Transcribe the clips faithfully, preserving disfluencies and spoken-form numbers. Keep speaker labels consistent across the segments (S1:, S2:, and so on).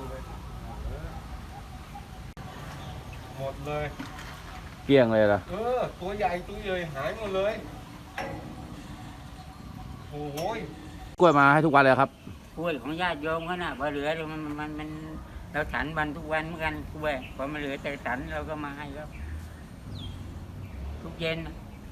S1: เลยหมดเลย
S2: เกลี้ยงเลยล่ะ
S1: เออตัวใหญ่ตัวใหญ่หายหมดเลยโอ้ย
S2: กล้วยมาให้ทุกวันเลยครับ
S3: กล้วยของญาติโยมเขาน่ะพอเหลือมันมันมันเราฉันวันทุกวันเหมือนกันกล้วยพอมันเหลือแต่ฉันเราก็มาให้ครับทุกเย็น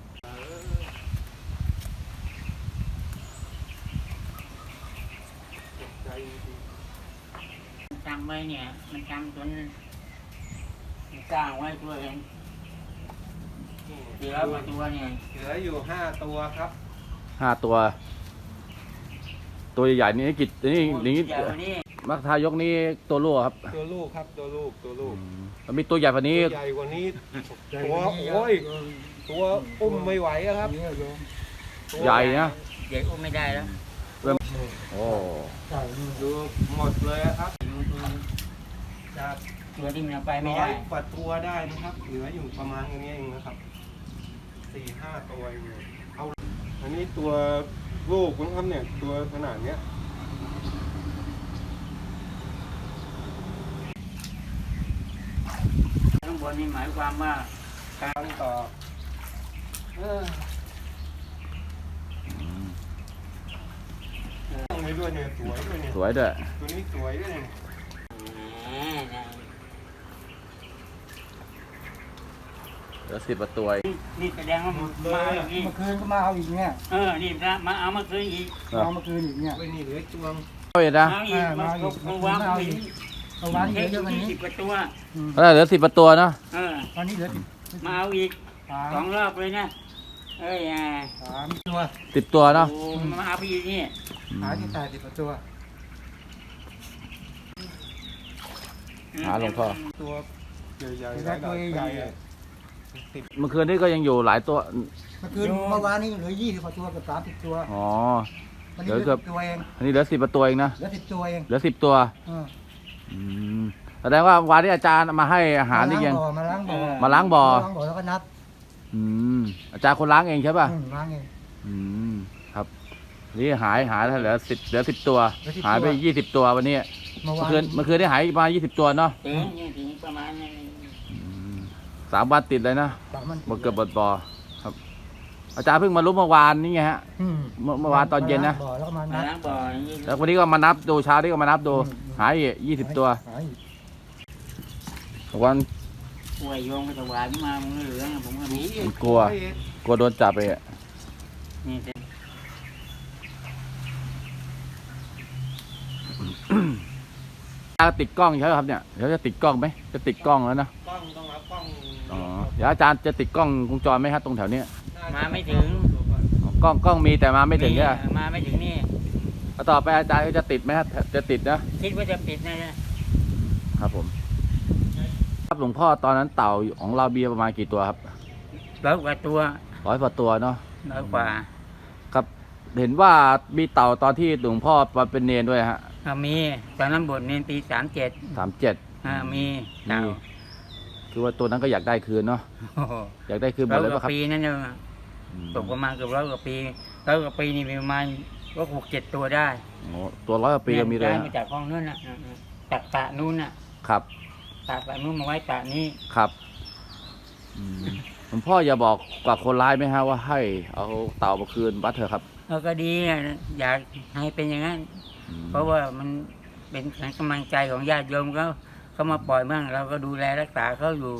S3: จำไว้เนี่ยมันจำจนสร้างไว้ตัวเองเหลือมาตัวเนี่ย
S1: เหลืออยู่ห้าตัวครับ
S2: ห้าตัว ตัวใหญ่ๆนี่กิจนี่นี่มักทายกนี่ตัวลูกครับ
S1: ตัวลูกครับตัวลูกตัวลูก
S2: มันมีตัวใหญ่กว่านี้
S1: ใหญ่กว่านี้ตัวโอ้ยตัวอุ้มไม่ไหวครับ
S2: ใหญ่นะ
S3: ใหญ่อุ้มไม่ได้แล้ว
S2: โอ้
S1: ดูหมดเลยครับ
S3: จากตัวที่มันไปไม่ได้
S1: กว่าตัวได้นะครับเหลืออยู่ประมาณอย่างนี้เองนะครับสี่ห้าตัวเองเอาอันนี้ตัวลูกนะครับเนี่ยตัวขนาดเนี้ย
S3: ข้างบนนี่หมายความว่า
S1: การต่อเออต้องไปด้วยเนี่ยสวยด้วยเนี่ย
S2: สวยด้วย
S1: ตัวนี้สวยด้วยเนี่ย
S2: เหลือสิบตัว
S3: นี่แสดงว่ามา
S4: เมื่อคืนก็มาเอาอีกเนี่ย
S3: เออนี่นะมาเอาเมื่อคืนอีก
S4: เอาเมื่อคืนอีกเนี่ย
S1: ไม่นี่เหลือจวง
S2: เอาอีกนะ
S3: มาอีกมาอีกมาวางอีก
S4: เอาวางเยอะๆวันนี้
S3: สิบตัว
S2: แล้วเหลือสิบตัวเนาะ
S3: เออ
S4: ตอนนี้เหลือ
S3: มาเอาอีกสองรอบเลยนะเอ้ย
S4: สามตัว
S2: สิบตัวเนาะ
S3: มาเอาพี่นี่
S4: หาที่ตายสิบตัว
S2: หาหลวงพ่อ
S1: ตัวใหญ่ๆตัวใหญ่
S2: เมื่อคืนนี้ก็ยังอยู่หลายตัว
S4: เมื่อคืนเมื่อวานนี้เหลือยี่สิบกว่าตัวกับสามสิบตัว
S2: อ๋อ
S4: เหลือเกือบตัวเอง
S2: อันนี้เหลือสิบตัวเองนะ
S4: เหลือสิบตัวเอง
S2: เหลือสิบตัวอืมแสดงว่าวันที่อาจารย์มาให้อาหารนี่ยัง
S4: มาล้างบ่อ
S2: มาล้างบ่อ
S4: ล้างบ่อแล้วก็นับ
S2: อืมอาจารย์คนล้างเองใช่ป่ะ
S4: ล้างเอง
S2: อืมครับนี่หายหายเหลือสิบเหลือสิบตัวหายไปยี่สิบตัววันนี้เมื่อคืนเมื่อคืนได้หายมายี่สิบตัวเนาะ
S3: ประมาณ
S2: สามวันติดเลยนะมาเกือบบดบ่อครับอาจารย์เพิ่งมารู้เมื่อวานนี่ไงฮะเมื่อวานตอนเย็นนะ
S4: แล้วมานับ
S2: แล้ววันนี้ก็มานับดูเช้านี้ก็มานับดูหายยี่สิบตัววัน
S3: กลัวโยงไปถวายมามึงเหลือผมก็มี
S2: กลัวกลัวโดนจับไปอ่ะจะติดกล้องใช่ไหมครับเนี่ยเดี๋ยวจะติดกล้องไหมจะติดกล้องแล้วนะ
S1: กล้องต้องรับกล้อง
S2: อ๋อเดี๋ยวอาจารย์จะติดกล้องวงจรไหมครับตรงแถวนี้
S3: มาไม่ถึง
S2: กล้องกล้องมีแต่มาไม่ถึงใช่ไหม
S3: มาไม่ถึงนี่
S2: ต่อไปอาจารย์ก็จะติดไหมครับจะติดนะ
S3: คิดว่าจะติดนะครับ
S2: ผมครับหลวงพ่อตอนนั้นเต่าของเราเบียประมาณกี่ตัวครับ
S3: ร้อยกว่าตัว
S2: ร้อยกว่าตัวเนาะ
S3: ร้อยกว่า
S2: ครับเห็นว่ามีเต่าตอนที่หลวงพ่อมาเป็นเนรด้วยฮะ
S3: มีตอนนั้นบทเนรปีสามเจ็ด
S2: สามเจ็ด
S3: มีเต่า
S2: คือว่าตัวนั้นก็อยากได้คืนเนาะอยากได้คืนหมดเลยป่ะครับ
S3: ปีนั้นเนี่ยตกประมาณเกือบร้อยกว่าปีร้อยกว่าปีนี่ประมาณก็หกเจ็ดตัวได้
S2: โอ้ตัวร้อยกว่าปีก็มีเลย
S3: มาจากห้องนู้นน่ะตักตะนู้นน่ะ
S2: ครับ
S3: ตักตะนู้นมาไว้ตะนี้
S2: ครับหลวงพ่ออย่าบอกกับคนร้ายไหมฮะว่าให้เอาเต่ามาคืนวัดเถอะครับ
S3: เออก็ดีอยากให้เป็นอย่างนั้นเพราะว่ามันเป็นกำลังใจของญาติโยมเขาเขามาปล่อยบ้างเราก็ดูแลรักษาเขาอยู่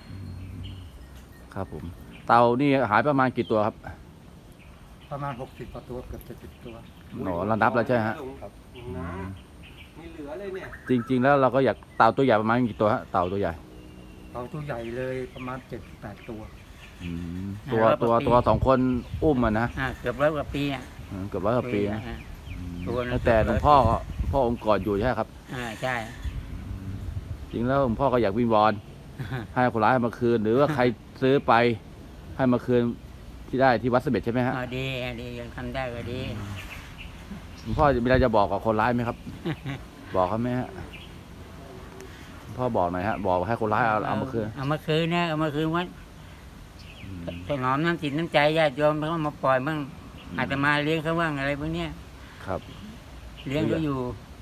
S2: ครับผมเต่านี่หายประมาณกี่ตัวครับ
S4: ประมาณหกสิบกว่าตัวเกือบเจ็ดสิบตัว
S2: หนอเรานับแล้วใช่ฮะ
S1: มีเหลือเลยเนี่ย
S2: จริงๆแล้วเราก็อยากเต่าตัวใหญ่ประมาณกี่ตัวฮะเต่าตัวใหญ่
S4: เต่าตัวใหญ่เลยประมาณเจ็ดแปดตัว
S2: ตัวตัวตัวสองคนอุ้มมันนะ
S3: เกือบร้อยกว่าปีอ่ะ
S2: เกือบร้อยกว่าปีนะแต่หลวงพ่อพ่อองค์กอดอยู่ใช่ครับ
S3: อ่าใช่
S2: จริงแล้วหลวงพ่อก็อยากวิงวอนให้คนร้ายมาคืนหรือว่าใครซื้อไปให้มาคืนที่ได้ที่วัดเสม็ดใช่ไหมฮะ
S3: ดีดียังทำได้ก็ดี
S2: หลวงพ่อมีอะไรจะบอกกับคนร้ายไหมครับบอกเขาไหมฮะพ่อบอกหน่อยฮะบอกให้คนร้ายเอาเอามาคืน
S3: เอามาคืนนะเอามาคืนวัดถนอมน้ำจิตน้ำใจญาติโยมเขามาปล่อยบ้างอาจจะมาเลี้ยงเขาบ้างอะไรพวกนี้
S2: ครับ
S3: เลี้ยงเขาอยู่